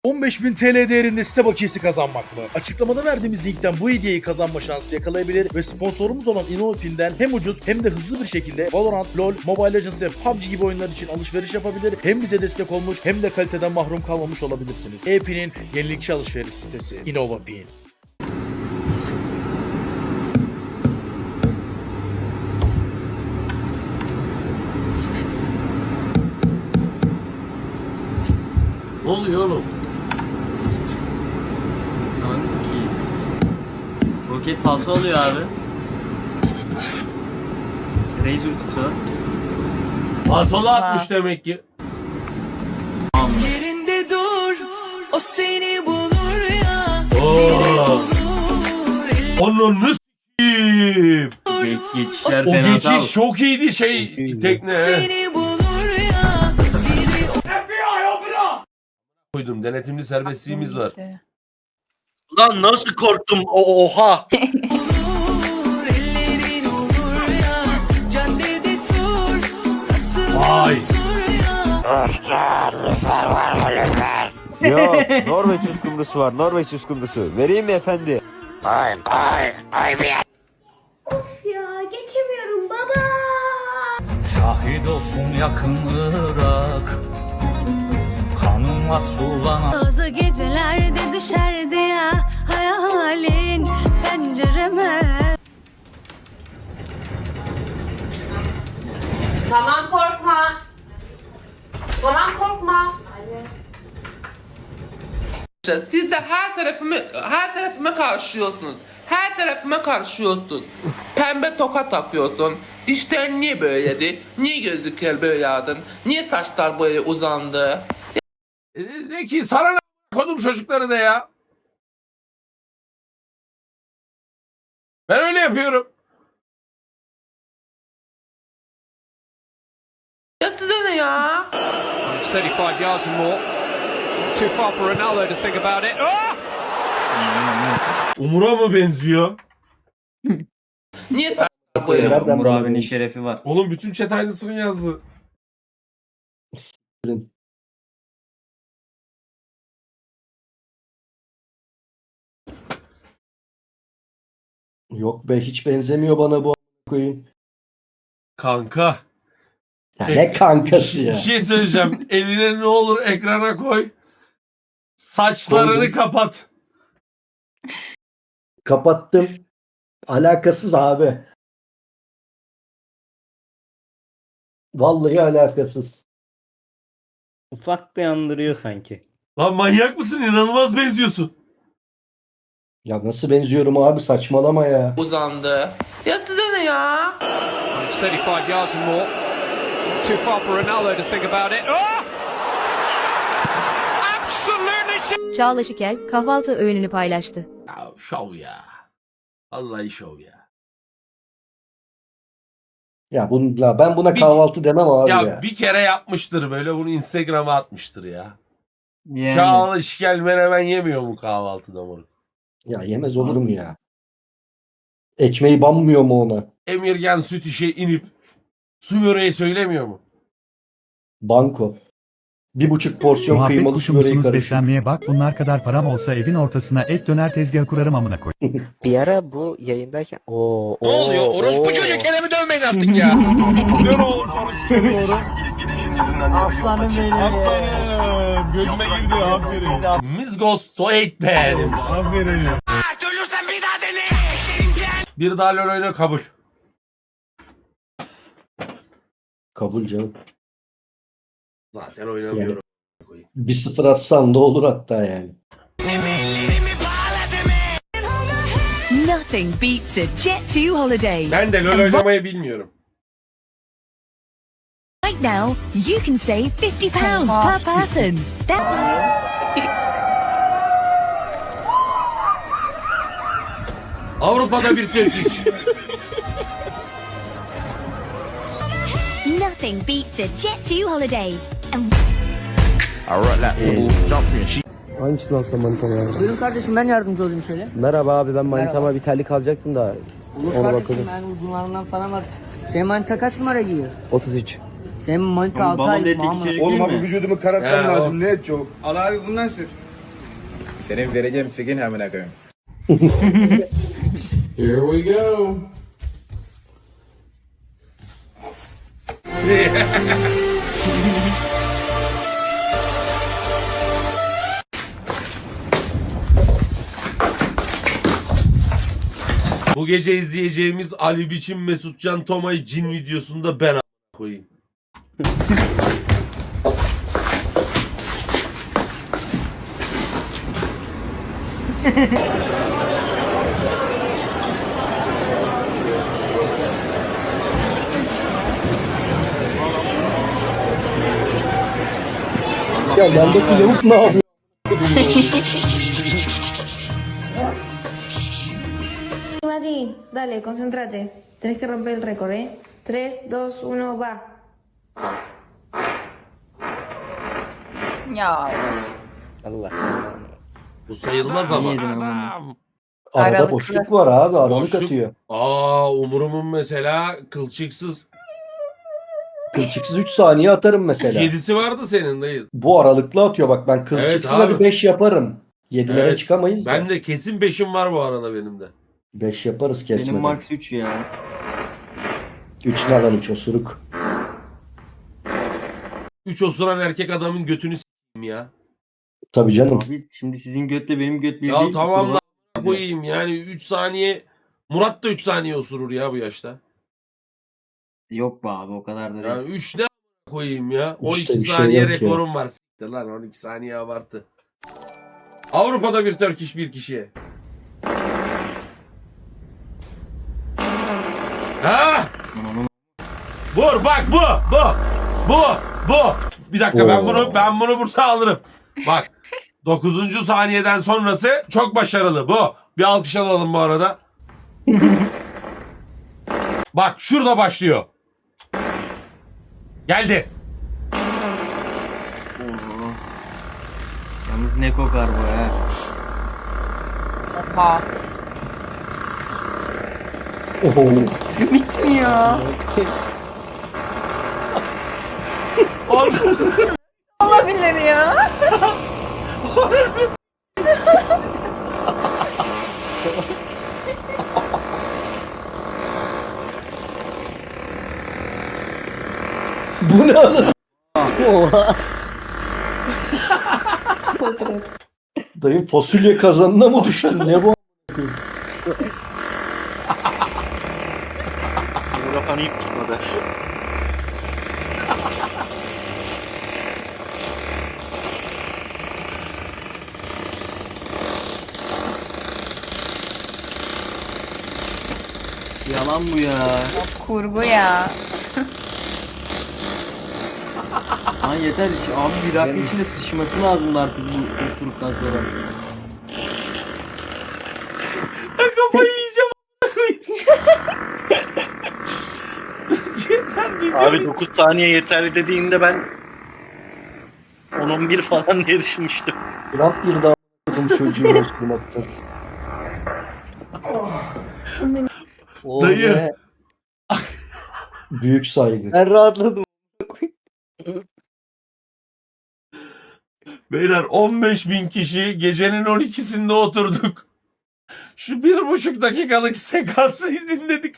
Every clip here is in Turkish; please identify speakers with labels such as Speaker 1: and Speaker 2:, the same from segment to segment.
Speaker 1: 15.000 TL değerinde site bakiyesi kazanmak mı? Açıklamada verdiğimiz linkten bu hediyeyi kazanma şansı yakalayabilir ve sponsorumuz olan InnoPin'den hem ucuz hem de hızlı bir şekilde Valorant, LoL, Mobile Legends ve PUBG gibi oyunlar için alışveriş yapabilir. Hem bize destek olmuş hem de kaliteden mahrum kalmamış olabilirsiniz. E-Pin'in yenilikçi alışveriş sitesi InnoPin.
Speaker 2: Ne oluyor oğlum?
Speaker 3: Anladın ki. Roket falso oluyor abi. Raze ultisi var.
Speaker 2: Sola atmış demek ki.
Speaker 4: Yerinde dur, o seni bulur ya.
Speaker 2: Oo. Onun ne s**eyim?
Speaker 3: Geçişler
Speaker 2: O
Speaker 3: fena
Speaker 2: geçiş çok iyiydi tekne.
Speaker 4: Seni bulur ya.
Speaker 2: Koydum, denetimli serbestliğimiz var.
Speaker 5: Lan nasıl korktum? Oha!
Speaker 4: Olur, ellerin olur ya. Caddede tur, nasıl
Speaker 2: Vay.
Speaker 6: Yok, Norveç uskumrusu var, Norveç uskumrusu. Vereyim mi efendi?
Speaker 7: Ya geçemiyorum baba.
Speaker 8: Şahit olsun yakın Irak, kanıma sulanan.
Speaker 4: Bazı gecelerde düşerdi ya hayalin pencereme.
Speaker 9: Tamam korkma. Tamam korkma.
Speaker 10: Siz de her tarafıma karşıyorsunuz. Her tarafıma karşıyorsun. Pembe toka takıyorsun. Dişlerin niye böyleydi? Niye gözlükler böyle yağdın? Niye taşlar böyle uzandı?
Speaker 2: De ki sana ne kodum çocukları da ya. Ben öyle yapıyorum.
Speaker 10: Ya size ne ya?
Speaker 11: 35 yards and more. Too far for Ronaldo to think about it.
Speaker 2: Umur'a mı benziyor?
Speaker 10: Niye taşlar böyle?
Speaker 3: Umur abinin şerefi var.
Speaker 2: Oğlum bütün chat aynısını yazdı.
Speaker 12: Yok be, hiç benzemiyor bana bu koyayım.
Speaker 2: Kanka.
Speaker 12: Ya ne kankası
Speaker 2: Bir
Speaker 12: ya.
Speaker 2: şey söyleyeceğim. Eline ne olur ekrana koy. Saçlarını
Speaker 12: Koydum.
Speaker 2: kapat.
Speaker 12: Kapattım. Alakasız abi. Vallahi alakasız.
Speaker 3: Ufak bir andırıyor sanki.
Speaker 2: Lan manyak mısın? İnanılmaz benziyorsun.
Speaker 12: Ya nasıl benziyorum abi, saçmalama ya.
Speaker 10: Uzandı. Ya size ne ya?
Speaker 11: 35 yards and more. Too far for Ronaldo to think about it. Absolutely.
Speaker 7: Çağla Şikel kahvaltı öğününü paylaştı.
Speaker 2: Ya şov ya. Vallahi şov ya.
Speaker 12: Ya ben buna kahvaltı demem abi
Speaker 2: Ya
Speaker 12: ya.
Speaker 2: bir kere yapmıştır böyle, bunu Instagram'a atmıştır ya.
Speaker 3: Yani.
Speaker 2: Çağla Şikel menemen yemiyor mu kahvaltıda moruk?
Speaker 12: Ya yemez olur mu ya? Ekmeği banmıyor mu ona?
Speaker 2: Emirgen süt işe inip su böreği söylemiyor mu?
Speaker 12: Banko. 1,5 porsiyon
Speaker 13: Muhabbet
Speaker 12: kıymalı
Speaker 13: kuşu
Speaker 12: su böreği
Speaker 13: musunuz
Speaker 12: karışık.
Speaker 13: beslenmeye bak, bunlar kadar param olsa evin ortasına et döner tezgahı kurarım amına koy.
Speaker 6: Bir ara bu yayındayken
Speaker 5: Ne oluyor? Orospu çocuk, elimi dövmeyin artık ya.
Speaker 6: Aslanım benim.
Speaker 11: Aslanım. Gözüme girdi. Aferin.
Speaker 2: Miss Ghost to 8 be demiş.
Speaker 11: Aferin.
Speaker 2: Bir daha LoL oyna kabul.
Speaker 12: Kabul canım.
Speaker 2: Zaten oynamıyorum.
Speaker 12: 1-0 atsan da olur hatta yani.
Speaker 4: Nothing beats a Jet2 holiday.
Speaker 2: Ben de LoL oynamayı bilmiyorum.
Speaker 4: Right now, you can save £50 per person.
Speaker 2: Avrupa'da bir Türk iş.
Speaker 7: Nothing beats a Jet2 holiday.
Speaker 6: Hangisi lan sen manitama ya?
Speaker 9: Buyurun kardeşim, ben yardımcı olayım şöyle.
Speaker 6: Merhaba abi, ben manitama bir terlik alacaktım da.
Speaker 9: Olur
Speaker 6: Ona
Speaker 9: kardeşim,
Speaker 6: bakalım.
Speaker 9: ben uzunlarından falan var. Senin manita kaç numara giyiyor?
Speaker 6: 33.
Speaker 9: Senin manita 6
Speaker 3: Babam
Speaker 9: aylık
Speaker 3: dedi
Speaker 9: Muhammed.
Speaker 3: çocuk değil mi?
Speaker 2: vücudumu karartmam lazım.
Speaker 5: Al abi bundan sür. Senin vereceğim fikin amına koyayım.
Speaker 10: Here we go. Bu gece izleyeceğimiz Ali Biçim Mesutcan Tomay cin videosunda ben koyayım.
Speaker 12: Ya yandaki lavuk ne yapıyor?
Speaker 7: Mati, dale, concéntrate. Tienes que romper el récord, ¿eh? 3, 2, 1, va.
Speaker 9: Ya.
Speaker 5: Allah.
Speaker 2: Bu sayılmaz ama.
Speaker 12: Arada
Speaker 9: Aralıklı.
Speaker 12: boşluk var abi. Aralık
Speaker 2: Boşluk.
Speaker 12: atıyor.
Speaker 2: Umurumun mesela kılçıksız
Speaker 12: Kılçıksız 3 saniye atarım mesela.
Speaker 2: 7'si vardı senin dayı.
Speaker 12: Bu aralıklı atıyor bak, ben kılçıksız
Speaker 2: Evet abi.
Speaker 12: bir 5 yaparım. 7'lere
Speaker 2: Evet.
Speaker 12: çıkamayız da.
Speaker 2: Ben de kesin 5'im var bu arada benim de.
Speaker 12: 5 yaparız
Speaker 3: Benim
Speaker 12: kesmeden.
Speaker 3: max 3 ya.
Speaker 12: 3 ne lan, 3 osuruk.
Speaker 2: 3 osuran erkek adamın götünü s**eyim ya.
Speaker 12: Tabii canım.
Speaker 3: Abi şimdi sizin götle benim göt bir
Speaker 2: Ya
Speaker 3: değil.
Speaker 2: tamam
Speaker 3: Kurban-
Speaker 2: da koyayım yani 3 saniye. Murat da 3 saniye osurur ya bu yaşta.
Speaker 3: Yok be abi o kadar da değil.
Speaker 2: Yani 3 ne koyayım ya. 12
Speaker 12: İşte bir şey
Speaker 2: saniye
Speaker 12: yok ya.
Speaker 2: rekorum var. S**tir lan 12 saniye abartı. Avrupa'da bir Türk iş bir kişiye. Ha! Vur bak bu. Bir dakika ben bunu burada alırım. Bak 9. saniyeden sonrası çok başarılı bu. Bir alkış alalım bu arada. Bak şurada başlıyor. Geldi.
Speaker 3: Oo. Yalnız ne kokar bu ha.
Speaker 9: Oha.
Speaker 12: Oho.
Speaker 9: Bitmiyor.
Speaker 2: Onu-
Speaker 9: Olabilir ya.
Speaker 12: Bu ne oğlum? Oha. Dayı fasulye kazanına mı düştün? Ne bu?
Speaker 5: Kafanı iyi kusmadı.
Speaker 3: Yalan bu ya.
Speaker 9: Kurgu ya.
Speaker 3: Lan yeter abi bir dakika içinde sıçması lazımdı artık bu osuruktan sonra.
Speaker 2: Kafayı yiyeceğim. Yeter bir
Speaker 5: Abi 9 saniye yeterli dediğinde ben 10-11 falan diye düşünmüştüm.
Speaker 12: Trump bir daha a**ım çocuğu osturmaktan. O
Speaker 2: Dayı.
Speaker 12: ne? Büyük saygı.
Speaker 5: Ben rahatladım.
Speaker 2: Beyler 15.000 kişi gecenin 12'sinde oturduk. Şu 1,5 dakikalık sekansı dinledik.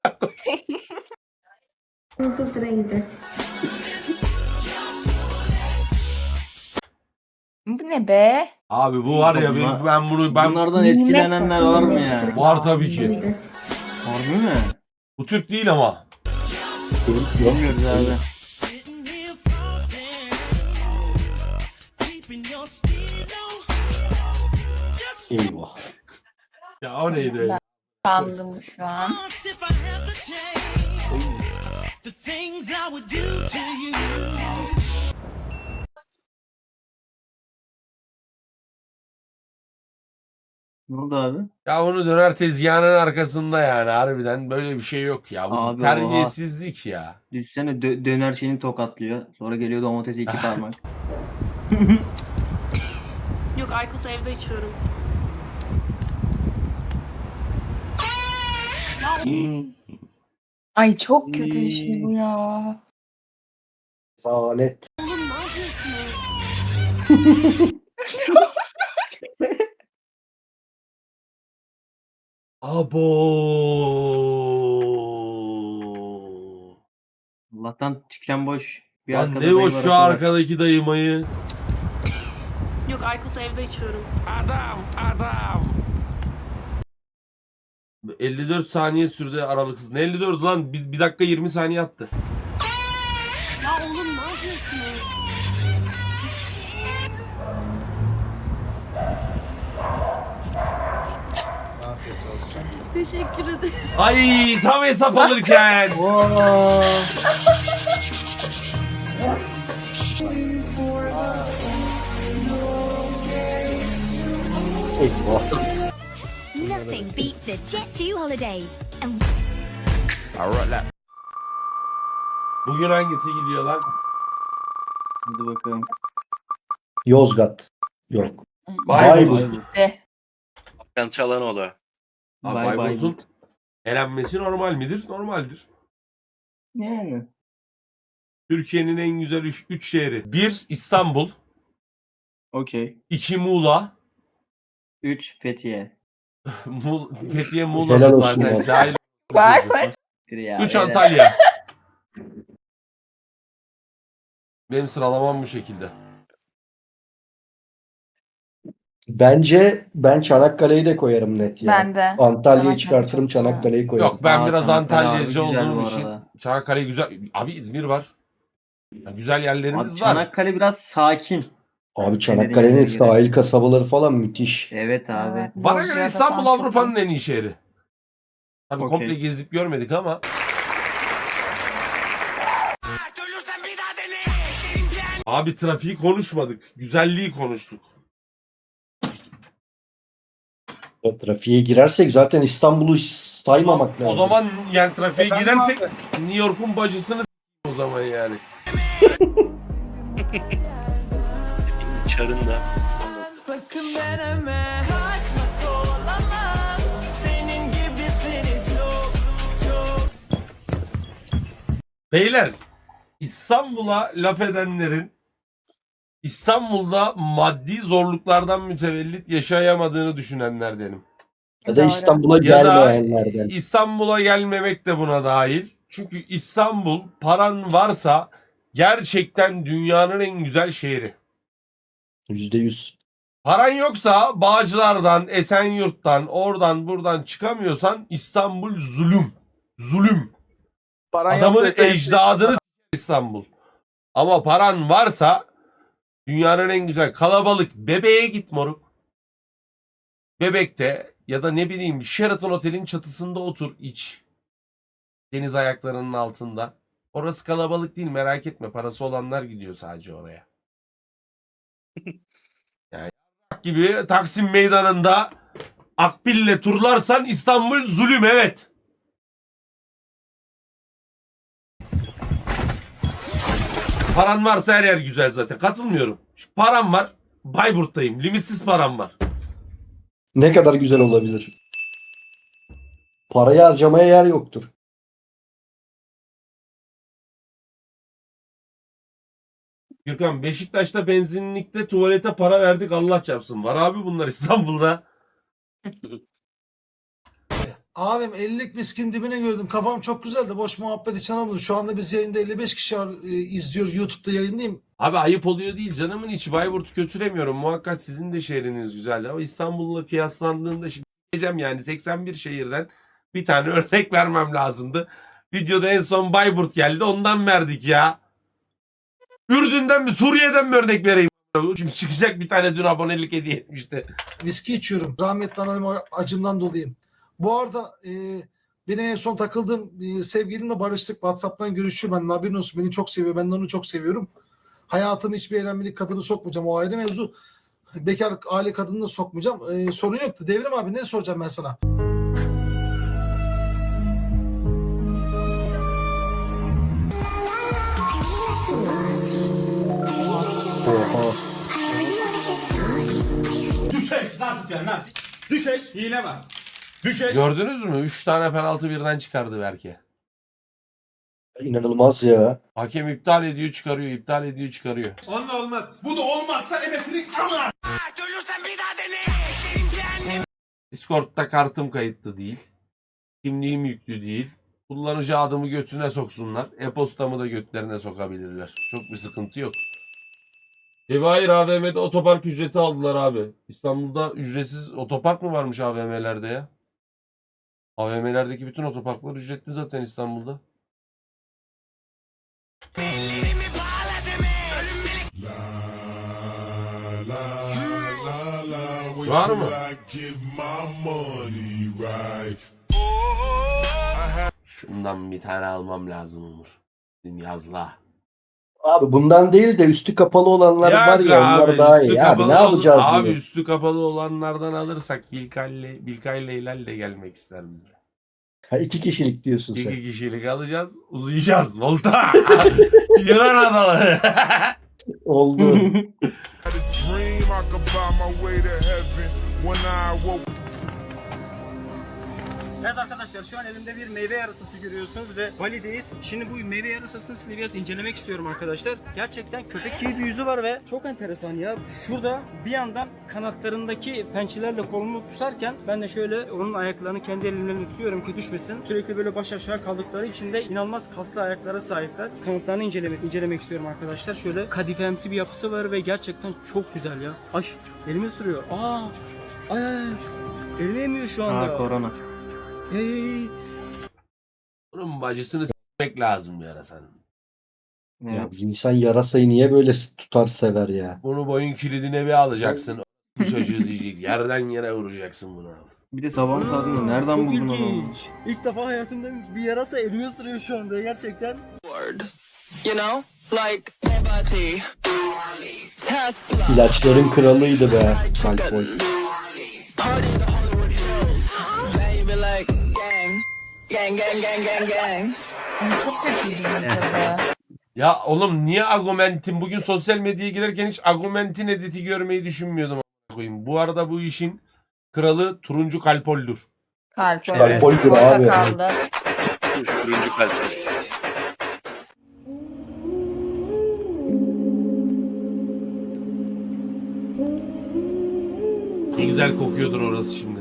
Speaker 9: Bu ne be?
Speaker 2: Abi bu var ya ben
Speaker 3: Bunlardan etkilenenler var mı ya?
Speaker 2: var tabii ki.
Speaker 3: Harbi mi?
Speaker 2: Bu Türk değil ama.
Speaker 3: Bilmiyoruz abi.
Speaker 12: Eyvah.
Speaker 2: Ya o neydi öyle?
Speaker 9: Sandım şu an.
Speaker 3: Ne oldu abi?
Speaker 2: Ya onu döner tezgahının arkasında yani harbiden böyle bir şey yok ya. Bu
Speaker 3: Abi,
Speaker 2: terbiyesizlik ya.
Speaker 3: Düşsene döner şeyini tokatlıyor. Sonra geliyor domatesi 2 parmak.
Speaker 4: Yok Aykos'u evde içiyorum.
Speaker 9: Ay çok kötü bir şey bu ya.
Speaker 12: Zalet.
Speaker 4: Oğlum ne yapıyorsunuz?
Speaker 2: Abo.
Speaker 3: Allah'tan tüken boş. Bir
Speaker 2: Lan
Speaker 3: arkada
Speaker 2: ne
Speaker 3: dayı
Speaker 2: o
Speaker 3: var,
Speaker 2: şu
Speaker 3: o kadar.
Speaker 2: arkadaki dayımayı.
Speaker 4: Yok Aykos evde içiyorum.
Speaker 2: 54 saniye sürdü aralıksız. Ne 54 lan? Bir dakika 20 saniye attı.
Speaker 4: Ya oğlum ne yapıyorsunuz?
Speaker 1: Afiyet olsun.
Speaker 4: Teşekkür ederim.
Speaker 2: Ay tam hesap alırken.
Speaker 12: Eyvah.
Speaker 7: Nothing beats a Jet2 holiday.
Speaker 2: Bugün hangisi gidiyor lan?
Speaker 3: Hadi bakalım.
Speaker 12: Yozgat. Yok.
Speaker 5: Bayburt.
Speaker 12: Bayburt.
Speaker 5: Hakan Çalhanoğlu.
Speaker 2: Abi
Speaker 3: Bay
Speaker 2: Bayburt'un elenmesi normal midir? Normaldir.
Speaker 3: Yani.
Speaker 2: Türkiye'nin en güzel 3 şehri. 1 İstanbul,
Speaker 3: Okey.
Speaker 2: 2 Muğla,
Speaker 3: 3 Fethiye.
Speaker 2: Fethiye
Speaker 12: Helal
Speaker 2: Muğla'da
Speaker 12: olsun
Speaker 2: zaten.
Speaker 12: ya.
Speaker 2: Cahil.
Speaker 9: Bak bak.
Speaker 2: 3 Antalya. Benim sıralamam bu şekilde.
Speaker 12: Bence ben Çanakkale'yi de koyarım net ya.
Speaker 9: Ben de.
Speaker 12: Antalya'yı
Speaker 9: Çanakkale
Speaker 12: çıkartırım,
Speaker 9: çok güzel.
Speaker 12: Çanakkale'yi koyarım.
Speaker 2: Yok ben biraz
Speaker 3: Çanakkale abi
Speaker 2: Antalyacı
Speaker 3: güzel
Speaker 2: olduğum
Speaker 3: bu
Speaker 2: için
Speaker 3: arada.
Speaker 2: Çanakkale güzel. Abi İzmir var. Ya güzel yerlerimiz
Speaker 3: Abi
Speaker 2: var.
Speaker 3: Çanakkale biraz sakin.
Speaker 12: Abi Çanakkale'nin
Speaker 3: Dediğin gibi.
Speaker 12: sahil kasabaları falan müthiş.
Speaker 3: Evet abi.
Speaker 9: Evet,
Speaker 2: Bana göre
Speaker 9: Bozcaada
Speaker 2: İstanbul
Speaker 9: falan çok
Speaker 2: Avrupa'nın
Speaker 9: iyi.
Speaker 2: en iyi şehri. Tabii
Speaker 3: Okey.
Speaker 2: komple gezip görmedik ama. Abi trafiği konuşmadık. Güzelliği konuştuk.
Speaker 12: O trafiğe girersek zaten İstanbul'u hiç saymamak lazım.
Speaker 2: O zaman yani trafiğe girersek New York'un bacısını o zaman yani.
Speaker 5: Çarında.
Speaker 4: Sakın deneme. Kaçma kovalamam. Senin gibisini çok çok.
Speaker 2: Beyler İstanbul'a laf edenlerin İstanbul'da maddi zorluklardan mütevellit yaşayamadığını düşünenlerdenim.
Speaker 12: Ya da
Speaker 9: Doğru.
Speaker 12: İstanbul'a
Speaker 2: Ya da
Speaker 12: gelmeyenlerden.
Speaker 2: İstanbul'a gelmemek de buna dahil. Çünkü İstanbul paran varsa gerçekten dünyanın en güzel şehri.
Speaker 12: %100.
Speaker 2: Paran yoksa Bağcılar'dan, Esenyurt'tan, oradan buradan çıkamıyorsan İstanbul zulüm. Zulüm. Adamın ecdadını s- İstanbul. Ama paran varsa dünyanın en güzel kalabalık Bebeğe git moruk. Bebek'te ya da ne bileyim Sheraton Otel'in çatısında otur iç. Deniz ayaklarının altında. Orası kalabalık değil merak etme. Parası olanlar gidiyor sadece oraya. Yani gibi Taksim Meydanı'nda akbille turlarsan İstanbul zulüm evet. Paran varsa her yer güzel zaten. Katılmıyorum. Param var. Bayburt'tayım. Limitsiz param var.
Speaker 12: Ne kadar güzel olabilir. Parayı harcamaya yer yoktur.
Speaker 2: Gürkan Beşiktaş'ta benzinlikte tuvalete para verdik Allah çarpsın. Var abi bunlar İstanbul'da.
Speaker 1: Abim 50'lik miskin dibine gördüm. Kafam çok güzeldi. Boş muhabbet için anladım. Şu anda biz yayında 55 kişi izliyor. YouTube'da yayındayım.
Speaker 2: Abi ayıp oluyor değil canımın içi. Bayburt'u kötülemiyorum. Muhakkak sizin de şehriniz güzeldi. Ama İstanbul'la kıyaslandığında şimdi diyeceğim yani 81 şehirden bir tane örnek vermem lazımdı. Videoda en son Bayburt geldi. Ondan verdik ya. Ürdün'den mi Suriye'den mi örnek vereyim? Şimdi çıkacak bir tane dün abonelik hediye etmişti.
Speaker 1: Viski içiyorum. Rahmetli anneannem acımdan dolayım. Bu arada benim en son takıldığım sevgilimle barıştık. WhatsApp'tan görüşüyor. Ben haberin olsun. Beni çok seviyor. Ben de onu çok seviyorum. Hayatımı hiçbir eğlenmelik kadını sokmayacağım. O ayrı mevzu. Bekar aile kadını da sokmayacağım. Sorun yoktu. Devrim abi ne soracağım ben sana?
Speaker 12: Oha.
Speaker 2: Gördünüz mü? 3 tane penaltı birden çıkardı Berke.
Speaker 12: İnanılmaz ya.
Speaker 2: Hakem iptal ediyor çıkarıyor, iptal ediyor çıkarıyor.
Speaker 11: Onunla olmaz. Bu da olmazsa ebesini ama.
Speaker 2: Discord'da kartım kayıtlı değil. Kimliğim yüklü değil. Kullanıcı adımı götüne soksunlar. E-postamı da götlerine sokabilirler. Çok bir sıkıntı yok. Cevahir AVM'de otopark ücreti aldılar abi. İstanbul'da ücretsiz otopark mı varmış AVM'lerde ya? AVM'lerdeki bütün otoparklar ücretli zaten İstanbul'da. Var mı? Şundan bir tane almam lazım Umur. Bizim yazla.
Speaker 12: Abi bundan değil de üstü kapalı olanlar
Speaker 2: Ya
Speaker 12: var ya onlar
Speaker 2: abi,
Speaker 12: daha
Speaker 2: üstü
Speaker 12: iyi. Abi
Speaker 2: kapalı
Speaker 12: ne yapacağız
Speaker 2: Abi
Speaker 12: bunu?
Speaker 2: üstü kapalı olanlardan alırsak Bilkay Leylal de gelmek ister bizle.
Speaker 12: Ha, 2 kişilik diyorsun sen.
Speaker 2: 2 kişilik alacağız. Uzayacağız. Volta. Yunan adaları.
Speaker 12: Oldu.
Speaker 3: Evet arkadaşlar şu an elimde bir meyve yarısası görüyorsunuz ve Bali'deyiz. Şimdi bu meyve yarısasını size biraz incelemek istiyorum arkadaşlar. Gerçekten köpek gibi bir yüzü var ve çok enteresan ya. Şurada bir yandan kanatlarındaki pençelerle kolunu tutarken ben de şöyle onun ayaklarını kendi elimle tutuyorum ki düşmesin. Sürekli böyle baş aşağı kaldıkları için de inanılmaz kaslı ayaklara sahipler. Kanatlarını incelemek istiyorum arkadaşlar. Şöyle kadifemsi bir yapısı var ve gerçekten çok güzel ya. Ay elimi sürüyor. Ay. Elimi emiyor şu anda.
Speaker 6: Korona.
Speaker 3: Hey.
Speaker 2: Bunun bacısını s**mek lazım ya sen.
Speaker 12: Ya bir insan yarasayı niye böyle tutar sever ya?
Speaker 2: Bunu boyun kilidine bir alacaksın. Bu çocuğu diyecek. Yerden yere vuracaksın bunu.
Speaker 3: Bir de sabahın saatinde nereden
Speaker 9: çok
Speaker 3: buldun onu?
Speaker 9: ilginç.
Speaker 3: İlk defa hayatımda bir yarasa elimi ısırıyor şu anda gerçekten.
Speaker 4: You know, like Bugatti, Tesla,
Speaker 12: İlaçların kralıydı be. Malfoy.
Speaker 4: party the Hollywood Hills, baby like gang.
Speaker 9: Çok kötüydü tadı.
Speaker 2: Ya oğlum niye Argument'in bugün sosyal medyaya girerken hiç Argument'in editi görmeyi düşünmüyordum a**ına koyayım. Bu arada bu işin kralı turuncu kalpoldür.
Speaker 9: Kalp
Speaker 12: Kalp
Speaker 9: evet.
Speaker 12: oydu abi.
Speaker 9: Orada kaldı.
Speaker 5: Turuncu kalp.
Speaker 2: Ne güzel kokuyordur orası şimdi.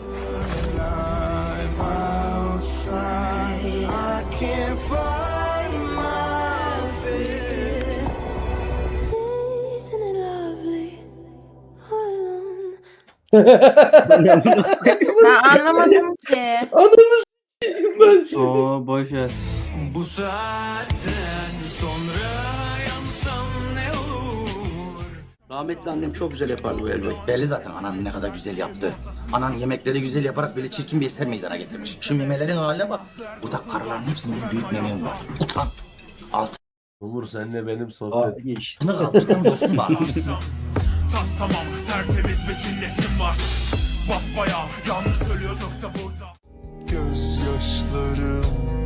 Speaker 9: Ben anlamadım ki.
Speaker 12: Ananı s**eyim ben seni.
Speaker 3: Oo boş ver.
Speaker 8: Bu saatten sonra yansam ne olur?
Speaker 5: Rahmetli annem çok güzel yapardı bu helvayı. Belli zaten anan ne kadar güzel yaptı. Anan yemekleri güzel yaparak böyle çirkin bir eser meydana getirmiş. Şu memelerin haline bak. Burada karıların hepsinde büyük memem var. Utan.
Speaker 2: Umur senle benim sohbet.
Speaker 12: Abi işte.
Speaker 5: Altını kaldırsam dostum bana.
Speaker 8: Tas tamam tertemiz bir cinnetim var. Basbayağı yanlış söylüyorduk da burada. Gözyaşlarım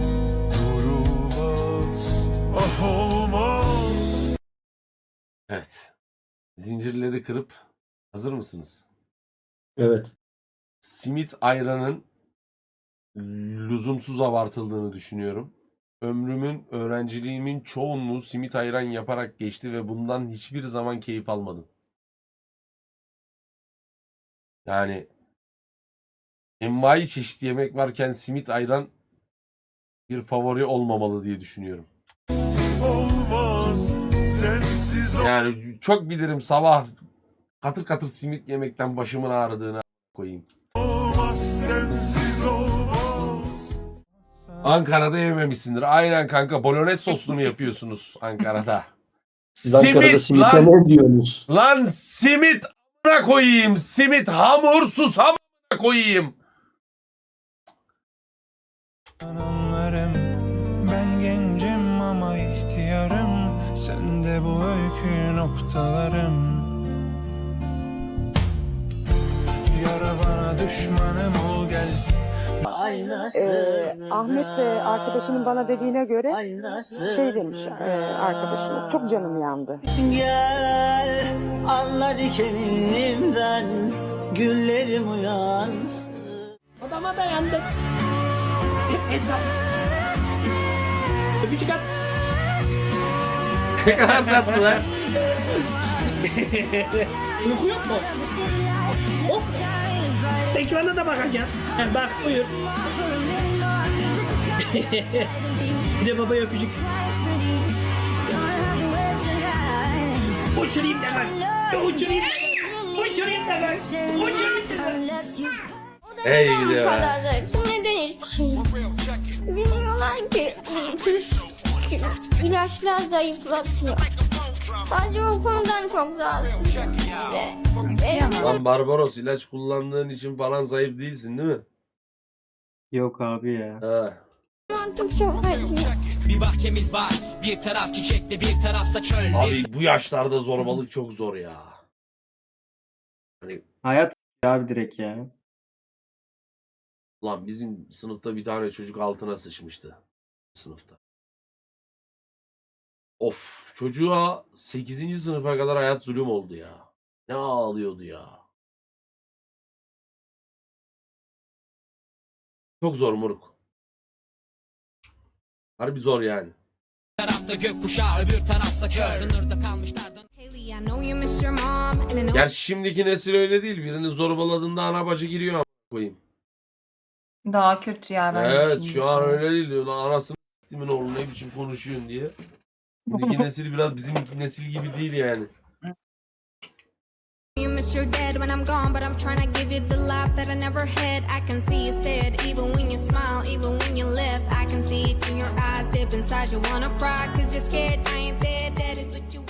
Speaker 8: durulmaz. Ah olmaz.
Speaker 2: Evet. Zincirleri kırıp hazır mısınız?
Speaker 12: Evet.
Speaker 2: Simit ayranın lüzumsuz abartıldığını düşünüyorum. Ömrümün, öğrenciliğimin çoğunluğu simit ayran yaparak geçti ve bundan hiçbir zaman keyif almadım. Yani envai çeşit yemek varken simit ayran bir favori olmamalı diye düşünüyorum.
Speaker 8: Olmaz sensiz
Speaker 2: Yani çok bilirim sabah katır katır simit yemekten başımın ağrıdığını koyayım.
Speaker 8: olmaz sensiz olmaz.
Speaker 2: Ankara'da yememişsindir. Aynen kanka. Bolognese soslu mu yapıyorsunuz Ankara'da?
Speaker 12: Siz Ankara'da simite ne diyorsunuz?
Speaker 2: Lan simit amına koyayım. Simit hamursuz amına koyayım.
Speaker 8: Anlarım ben gencim ama ihtiyarım. Sen de bu öykü noktalarım. Yara bana düşmanım ol gel.
Speaker 4: Ahmet arkadaşımın bana dediğine göre şey demiş arkadaşım, çok canım yandı.
Speaker 8: Gel anla dikenimden güllerim uyansın.
Speaker 4: Adama dayandık.
Speaker 3: Öpücük at.
Speaker 2: Ne kadar tatlı lan.
Speaker 3: Uyku yok mu? Hop. Ekrana da bakacaksın. Bak buyur. Bir de babaya öpücük. Uçurayım da bak. Uçurayım da bak. Uçurayım da bak. Uçurayım da bak.
Speaker 2: Ey gidi be.
Speaker 7: Neden hiçbir şey? Bilmiyorlar ki ilaçlar zayıflatıyor. Sadece o konudan çok rahatsız.
Speaker 2: Lan Barbaros, ilaç kullandığın için falan zayıf değilsin değil mi?
Speaker 3: Yok abi ya.
Speaker 2: He.
Speaker 7: Mantık çok acıyor.
Speaker 8: Bir bahçemiz var, bir taraf çiçekli, bir tarafsa çöl.
Speaker 2: Abi bu yaşlarda zorbalık çok zor ya. Hani
Speaker 3: Hayat abi direkt ya.
Speaker 2: lan bizim sınıfta bir tane çocuk altına sıçmıştı. Sınıfta. Of, çocuğa 8. sınıfa kadar hayat zulüm oldu ya. Ne ağlıyordu ya. Çok zor moruk. Harbi zor yani.
Speaker 8: tarafta gökkuşağı, öbür tarafsa çöl. Sınırda kalmışlardan.
Speaker 2: Gerçi şimdiki nesil öyle değil. Birini zorbaladığında ana bacı giriyor ama koyayım.
Speaker 9: Daha kötü ya bence
Speaker 2: Evet
Speaker 9: şimdi.
Speaker 2: şu an öyle değil. Lan anasını s**timin oğlu ne biçim konuşuyorsun diye. Şimdiki nesil biraz bizim nesil gibi değil yani.
Speaker 7: You miss your dad when I'm gone, but I'm trying to give you the life that I never had. I can see you sad, even when you smile, even when you laugh. I can see it in your eyes, deep inside you wanna cry, 'cause you're scared I ain't there, that is what you